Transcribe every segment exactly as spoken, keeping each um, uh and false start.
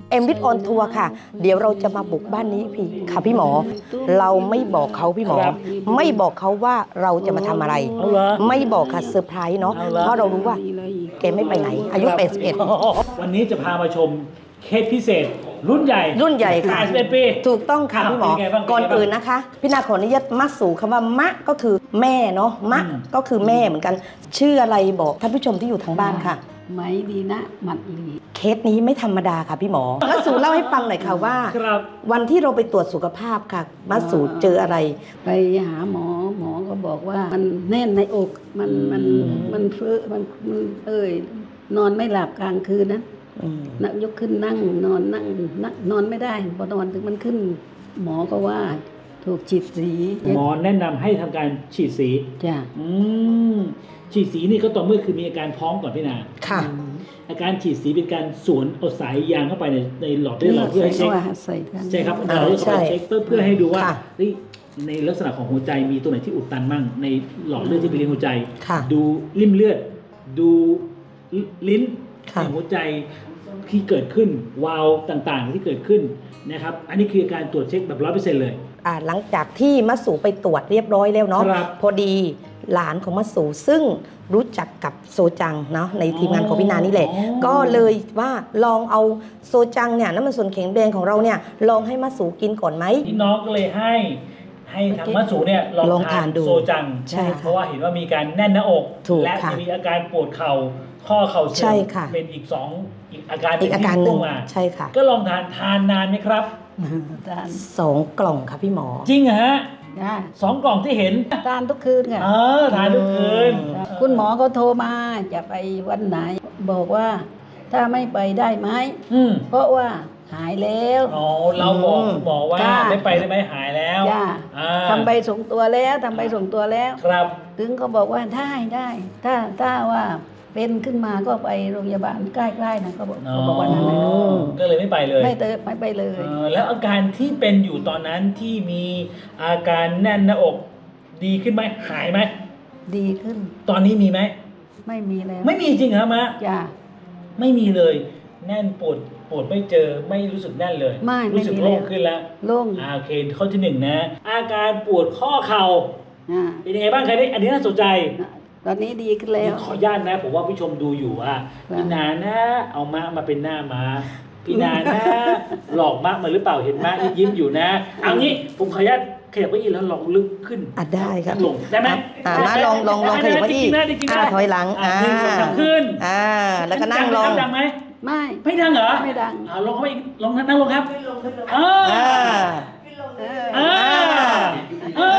เอ็มวิทออนทัวร์ค่ะเดี๋ยวเราจะมาบุกบ้านนี้พี่ค่ะพี่หมอเราไม่บอกเขาพี่หมอไม่บอกเขาว่าเราจะมาทำอะไรไม่บอกค่ะเซอร์ไพรส์เนาะเพราะเรารู้ว่าแกไม่ไปไหนอายุแปดสิบเอ็ดวันนี้จะพามาชมเคสพิเศษรุ่นใหญ่รุ่นใหญ่ค่ะแปดสิบเอ็ดปีถูกต้องค่ะพี่หมอก่อนอื่นนะคะพี่นาขออนุญาตมัดสู่คำว่ามะก็คือแม่เนาะมะก็คือแม่เหมือนกันชื่ออะไรบอกท่านผู้ชมที่อยู่ทางบ้านค่ะไหมดีนะหมัดหลีเคสนี้ไม่ธรรมดาค่ะพี่หมอมัดสู่เล่าให้ฟังหน่อยค่ะว่าวันที่เราไปตรวจสุขภาพค่ะมัดสู่เจออะไรไปหาหมอหมอก็บอกว่ามันแน่นในอกมันมันมันเฟ้อมันมันเอ้ยนอนไม่หลับกลางคืนนะนักยกขึ้นนั่งนอนนั่งนั่งนอนไม่ได้พอนอนถึงมันขึ้นหมอก็ว่าถูกฉีดสีหมอแนะนำให้ทำการฉีดสีจ้ะอืมฉีดสีนี่ก็ต่อเมื่อคือมีอาการท้องก่อนพี่นาค่ะอาการฉีดสีเป็นการสวนเอาสายยางเข้าไปในในหลอดเลือดเราเพื่อให้เช็คใช่ครับเราเพื่อเช็คเพื่อให้ดูว่าในลักษณะของหัวใจมีตัวไหนที่อุดตันมั่งในหลอดเลือดที่ไปเลี้ยงหัวใจดูริ่มเลือดดูลิ้นในหัวใจที่เกิดขึ้นวาล์วต่างๆที่เกิดขึ้นนะครับอันนี้คือการตรวจเช็คแบบร้อยเปอร์เซ็นต์เลยอ่าหลังจากที่มัสสูไปตรวจเรียบร้อยแล้วเนาะพอดีหลานของมัสสูซึ่งรู้จักกับโซจังเนาะในทีมงานของพี่นานี่แหละก็เลยว่าลองเอาโซจังเนี่ยน้ำมันส่วนแข็งแรงของเราเนี่ยลองให้มัสสูกินก่อนไหมพี่น้องก็เลยให้ให้ทางมัสสูเนี่ยลองทานโซจังใช่เพราะว่าเห็นว่ามีการแน่นหน้าอกและมีอาการปวดเข่าข้อเข่าเสื่อมเป็นอีกสองอีกอาการอีกอาการหนึ่งใช่ค่ะก็ลองทานทานนานไหมครับสองกล่องค่ะพี่หมอจริงเหรอฮะสองกล่องที่เห็นทานทุกคืนค่ะเออทานทุกคืนคุณหมอก็โทรมาจะไปวันไหนบอกว่าถ้าไม่ไปได้ไหมเพราะว่าหายแล้วอ๋อเราบอกบอกว่าไม่ไปได้ไหมหายแล้วทำใบส่งตัวแล้วทำใบส่งตัวแล้วครับถึงเขาบอกว่าได้ได้ถ้าถ้าว่าเป็นขึ้นมาก็ไปโรงพยาบาลใกล้ๆนะเขาบอกเขาบอกว่านั้นก็เลยไม่ไปเลยไม่เตยไม่ไปเลยแล้วอาการที่เป็นอยู่ตอนนั้นที่มีอาการแน่นหน้าอกดีขึ้นไหมหายไหมดีขึ้นตอนนี้มีไหมไม่มีแล้วไม่มีจริงเหรอมะจ้ะไม่มีเลยแน่นปวดปวดไม่เจอไม่รู้สึกแน่นเลยไม่รู้สึกโล่งขึ้นแล้วโล่งโอเคข้อที่หนึ่งนะอาการปวดข้อเข่าเป็นยังไงบ้างใครได้อันนี้น่าสนใจตอนนี้ดีขึ้นแล้วขออนุญาตนะผมว่าผู้ชมดูอยู่อ่ะพี่นานะเอามะมาเป็นหน้ามาพี่นานะหลอกมะมาหรือเปล่าเห็นมะยิ้มอยู่นะเอางี้ผมขออนุญาตขยับไปอีกแล้วลองลึกขึ้นอ่ะได้ครับลงได้ไหมอ่ามาลองลองลองขยับไปอีกอ่าถอยหลังอ่าขึ้นอ่าแล้วก็นั่งลงดังไหมไม่ไม่ดังเหรอไม่ดังอ่าลงเข้าไปอีกลงนั่งลงครับอ่าอ่าอ่า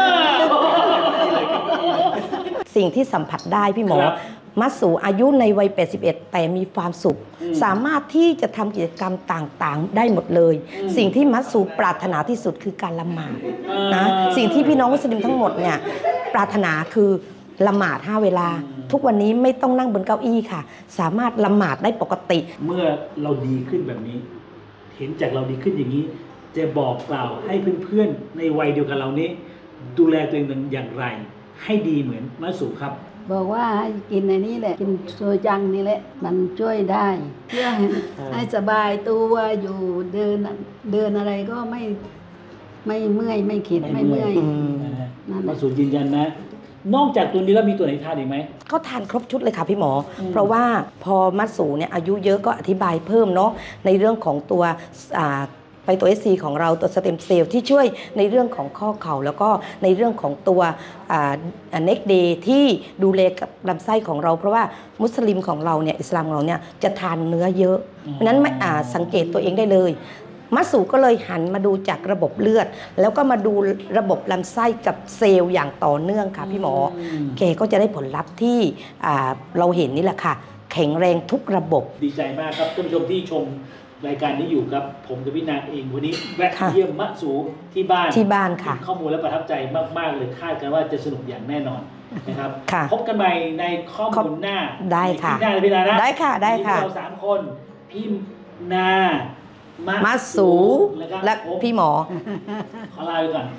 สิ่งที่สัมผัสได้พี่หมอมัสสูอายุในวัยแปดสิบเอ็ดแต่มีความสุขสามารถที่จะทำกิจกรรมต่างๆได้หมดเลยสิ่งที่มัสสูปรารถนาที่สุดคือการละหมาดนะสิ่งที่พี่น้องมุสลิมทั้งหมดเนี่ยปรารถนาคือละหมาดห้าเวลาทุกวันนี้ไม่ต้องนั่งบนเก้าอี้ค่ะสามารถละหมาดได้ปกติเมื่อเราดีขึ้นแบบนี้เห็นจากเราดีขึ้นอย่างนี้จะบอกกล่าวให้เพื่อนๆในวัยเดียวกันเรานี้ดูแลตัวเองอย่างไรให้ดีเหมือนมัสสูครับบอกว่าให้กินในนี้แหละกินโซจังนี่แหละมันช่วยได้เพื่อให้สบายตัวอยู่เดินเดินอะไรก็ไม่ไม่เมื่อยไม่ขิดไม่เมื่อยมัสสูยืนยันนะนอกจากตัวนี้แล้วมีตัวไหนทานอีกไหมเขาทานครบชุดเลยค่ะพี่หมอเพราะว่าพอมัสสูเนี่ยอายุเยอะก็อธิบายเพิ่มเนาะในเรื่องของตัวไฟโตเอสซีของเราตัวสเต็มเซลล์ที่ช่วยในเรื่องของข้อเข่าแล้วก็ในเรื่องของตัวเน็กเดย์ที่ดูแลกับลำไส้ของเราเพราะว่ามุสลิมของเราเนี่ยอิสลามของเราเนี่ยจะทานเนื้อเยอะเพราะนั้นไม่สังเกตตัวเองได้เลยมัสสูก็เลยหันมาดูจากระบบเลือดแล้วก็มาดูระบบลำไส้กับเซลล์อย่างต่อเนื่องค่ะพี่หมอแกก็จะได้ผลลัพธ์ที่เราเห็นนี่แหละค่ะแข็งแรงทุกระบบดีใจมากครับท่านผู้ชมที่ชมรายการนี้อยู่ครับผมกับพี่นาเองวันนี้แวะเยี่ยมมัสสูที่บ้านที่บ้านค่ะข้อมูลและประทับใจมากๆเลยคาดกันว่าจะสนุกอย่างแน่นอนนะครับพบกันใหม่ในข้อมูลหน้าได้ค่ะหน้าพี่นานะได้ค่ะได้ค่ะเราสามคนพี่นามัสสูและพี่หมอขอลาไปก่อน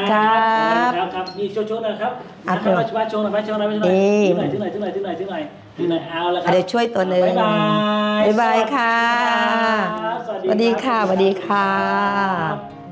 ครับครับครับนี่โชว์ๆนะครับนะครับมาโชว์หน่อยมาโชว์หน่อยมาโชว์หน่อยถึงไหนถึงไหนถึงไหนถึงไหนถึงไหนดีหน่อยเอาละครับเดี๋ยวช่วยตัวหนึ่งบ๊ายบายบ๊ายบายค่ะสวัสสวัสดีรับค่ะสวัสดีค่ะรับ